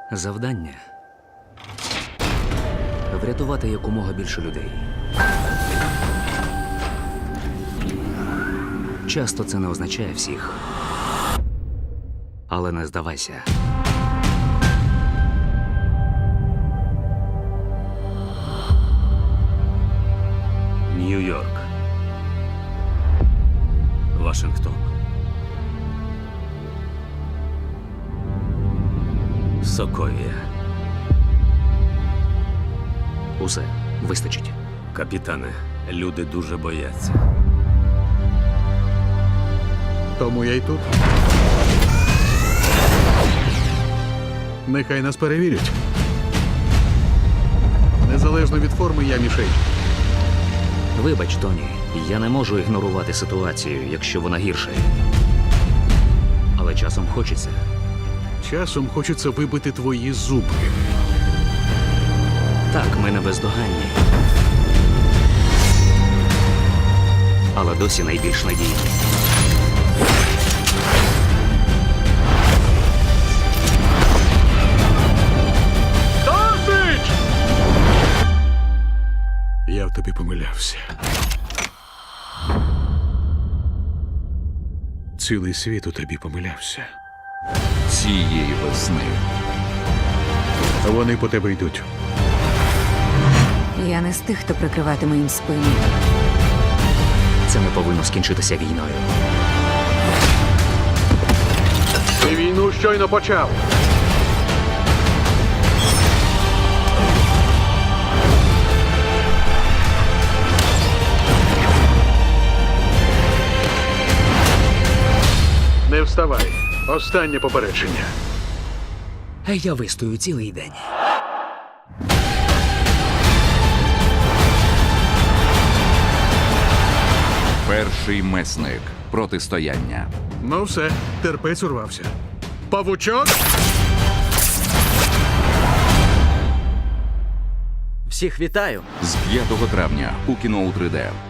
Завдання – врятувати якомога більше людей. Часто це не означає всіх. Але не здавайся. Нью-Йорк. Вашингтон. Соковія. Усе. Вистачить. Капітане, люди дуже бояться. Тому я й тут. Нехай нас перевірять. Незалежно від форми, я мішень. Вибач, Тоні, я не можу ігнорувати ситуацію, якщо вона гірша. Але часом хочеться. Часом хочеться вибити твої зубки. Так, ми не бездоганні. Але досі найбільш надійні. Досить! Я в тобі помилявся. Цілий світ у тобі помилявся. Цієї весни. Вони по тебе йдуть. Я не з тих, хто прикриватиме їм спину. Це не повинно скінчитися війною. Ти війну щойно почав. Не вставай. Останнє попередження. Я вистою цілий день. Перший месник. Протистояння. Ну все, терпець урвався. Павучок! Всіх вітаю! З 5 травня у кіно у 3D.